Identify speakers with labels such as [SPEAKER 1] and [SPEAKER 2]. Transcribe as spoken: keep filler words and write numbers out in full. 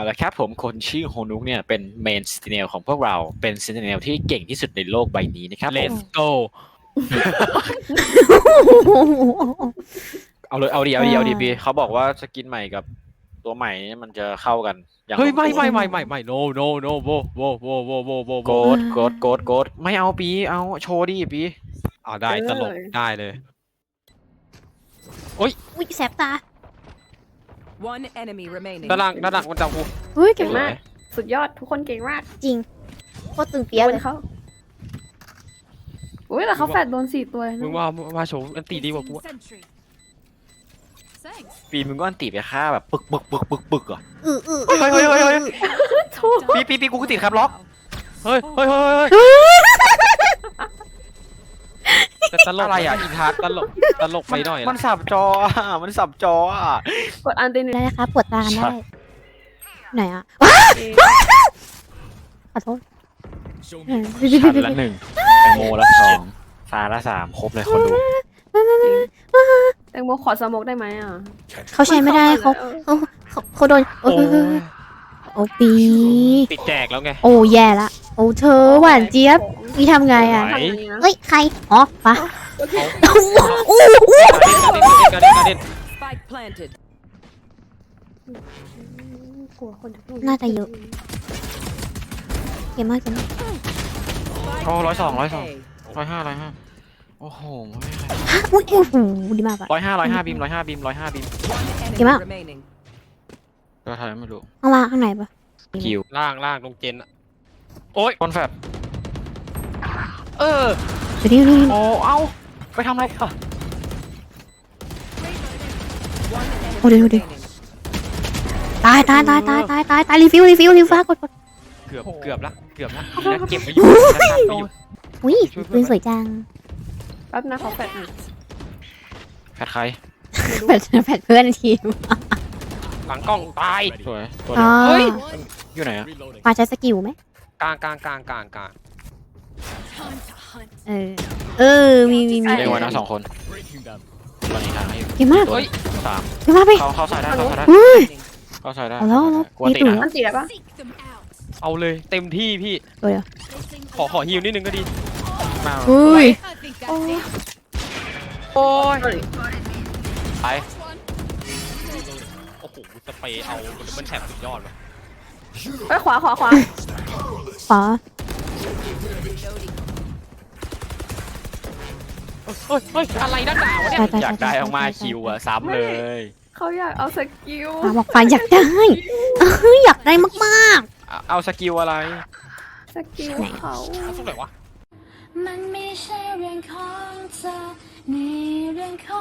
[SPEAKER 1] เอาละครับผมคนชื่อโฮนุกเนี่ยเป็นเมนซินเนลของพวกเราเป็นซินเนลที่เก่งที่สุดในโลกใบนี้นะครับผม
[SPEAKER 2] Let's go
[SPEAKER 1] เอาเลยเอาดีเอาดีเอาดีพี่เขาบอกว่าสกินใหม่กับตัวใหม่นี่มันจะเข้ากันอย่าง
[SPEAKER 2] เฮ้ย
[SPEAKER 1] ลง
[SPEAKER 2] ไม่
[SPEAKER 1] ตัว
[SPEAKER 2] ไม่ไม่ไม่ไม่ no no no โบโบโบโบโบโบโบ
[SPEAKER 1] โกดโกดโกดโกดไม่เอาปีเอาโชว์ดิปี
[SPEAKER 2] เอาได้ตลกได้เลย
[SPEAKER 3] อุ้ยแสบตา
[SPEAKER 4] One enemy remaining.
[SPEAKER 2] ด้านล่างด้านล่างมันจับกู
[SPEAKER 3] เฮ้ย
[SPEAKER 5] เก่งมาก สุดยอดทุกคนเก่งมาก
[SPEAKER 3] จริงโคตรตึงเปียะ
[SPEAKER 5] โด
[SPEAKER 3] เล
[SPEAKER 5] น
[SPEAKER 3] ย
[SPEAKER 5] เขาอุ้ยแต่เขาแฟดโดนสี่ตัวเลย
[SPEAKER 2] มึ
[SPEAKER 5] นะ
[SPEAKER 2] งว่าว่าโฉมอันตีดีกว่ากูอะ
[SPEAKER 1] ปีมึงก็อันติไปฆ่าแบบปึกปึกปึกปึกปึกอ่ะ
[SPEAKER 3] อืออือ
[SPEAKER 1] เฮ้ยเฮ้ยเฮ้ยเฮ้ยเฮ้ย
[SPEAKER 5] ถูก
[SPEAKER 1] ปีปีปีกูก็ติดครับล็อก
[SPEAKER 2] เฮ้ยเฮ้ยเฮ้ยเฮ้ยแต่ตลก
[SPEAKER 1] อะไรอ่ะ
[SPEAKER 2] อินทัศตลกตลกไปหน่อย
[SPEAKER 1] มันสับจออ่ะมันสับจออ่ะ
[SPEAKER 5] กดอันตีหนึ่ง
[SPEAKER 3] ได้ครับปวดตากันได้ไหนอ่ะ
[SPEAKER 5] เอง
[SPEAKER 3] ขอโทษ
[SPEAKER 1] ชันละหนึ่งแตงโมละสองฟาละสามครบเลยคนดู
[SPEAKER 5] แตงโมขอสโมกได้ไหมอ่ะ
[SPEAKER 3] เขาใช้ไม่ได้เขาเขาเขาเขาโดนโอ้
[SPEAKER 2] โอ้ย
[SPEAKER 3] โอ้ปี
[SPEAKER 2] ติดแจกแล้วไง
[SPEAKER 3] โอ้แย่ละโอ้เธอหวานเจี๊ยบนี่ทำไงอ่ะ
[SPEAKER 5] ทำอย่างนี้นะ
[SPEAKER 3] เฮ้ยใครอ๋อปะ
[SPEAKER 2] เขา
[SPEAKER 3] อู้อู้
[SPEAKER 2] การเด่นการเด่นการเด่น
[SPEAKER 4] Spike planted.
[SPEAKER 5] กลัวคนจะพูด
[SPEAKER 3] น่าจะเยอะเก่งมากเก่งมาก
[SPEAKER 1] โอ้ร้อยสองร้อยสอง
[SPEAKER 4] A.
[SPEAKER 1] ร้อยห้าร้อยห้าโอ้โห
[SPEAKER 3] ฮะอุ้ยโอ้โหดีมากอะ
[SPEAKER 1] ร้อยห้าร้อยห้าบีมร้อยห้าบีมร้อยห้าบีม
[SPEAKER 4] One enemy
[SPEAKER 3] Kim out.
[SPEAKER 4] remaining.
[SPEAKER 1] ก็ทายไม่รู้
[SPEAKER 3] ข้างล่างข้างในปะ
[SPEAKER 1] คิว
[SPEAKER 2] ล่างล่างตรงเจนอะโอ้ย
[SPEAKER 1] คนแฟดเออ
[SPEAKER 3] เดี๋ยวนี้นี่
[SPEAKER 1] โอ้เอ้าไปทำอะไรอ่ะ
[SPEAKER 4] One enemy
[SPEAKER 3] Oh, dude, dude.
[SPEAKER 4] remaining.
[SPEAKER 3] ตายตายตายตายตายตายตายรีฟิวรีฟิวรีฟิวกดกด
[SPEAKER 2] เกือบเกือบละเกือบละนะเก็บไปอยู่นะตัดไปอยู่
[SPEAKER 3] อุ้ยปืนสวยจัง
[SPEAKER 5] แป๊บนะเขาแฟดหน่อย
[SPEAKER 1] แฟดใคร
[SPEAKER 3] แผดแผดเพื่อนทีม
[SPEAKER 2] หลังกล้องตาย
[SPEAKER 1] สวยตัว
[SPEAKER 3] อ๋
[SPEAKER 1] เดี
[SPEAKER 3] อ
[SPEAKER 1] ยว
[SPEAKER 2] เฮ้ย
[SPEAKER 1] อยู่ไหนอ่ะ
[SPEAKER 3] มาใช้สกิลไหม
[SPEAKER 2] กลางกลางกลางกลางกลาง
[SPEAKER 3] เออเออมีมีมี
[SPEAKER 1] เรียกไว้นะสองคนตอนนี้ทางให้อยู่
[SPEAKER 3] เก่งมาก
[SPEAKER 1] เฮ้ยสาม
[SPEAKER 3] เก่งมากไป
[SPEAKER 1] เขาเขาใส่ได้เขาใส่ได้
[SPEAKER 3] เฮ้ย
[SPEAKER 1] เขาใส่ได้
[SPEAKER 3] เอาแล้วเอาแล้ว
[SPEAKER 1] กลัวติด
[SPEAKER 3] มีตุ๋ย
[SPEAKER 1] นะ
[SPEAKER 5] อันตีได้ปะ
[SPEAKER 2] เอาเลยเต็มที่พี่
[SPEAKER 3] ตัวเดียว
[SPEAKER 2] ขอขอฮิวนิดนึงก็ดี
[SPEAKER 1] มา
[SPEAKER 3] เฮ้ย
[SPEAKER 2] โอ้ย
[SPEAKER 1] ไป
[SPEAKER 2] โอ้โหสเปรย์เอาดับเบิลแท็บสุดยอดว่ะ
[SPEAKER 5] ไปขวาขวาขวา
[SPEAKER 3] ขวา
[SPEAKER 2] เฮ้ยเฮ้ยอะไรด้านหนาวะเนี่ย
[SPEAKER 3] ตายตาย
[SPEAKER 1] อยากได้ออกมาคิวอ่ะซ้ำเลย
[SPEAKER 5] เขาอยากเอาสกิล
[SPEAKER 3] ปาบอกปาอยากได้เฮ้ยอยากได้มาก
[SPEAKER 1] เอาเอาสกิลอะไร
[SPEAKER 5] สกิลเขา
[SPEAKER 2] เอาสุดไหนวะ
[SPEAKER 6] มันไม่ใช่เรื่องของเธอนี่เรื่องขอ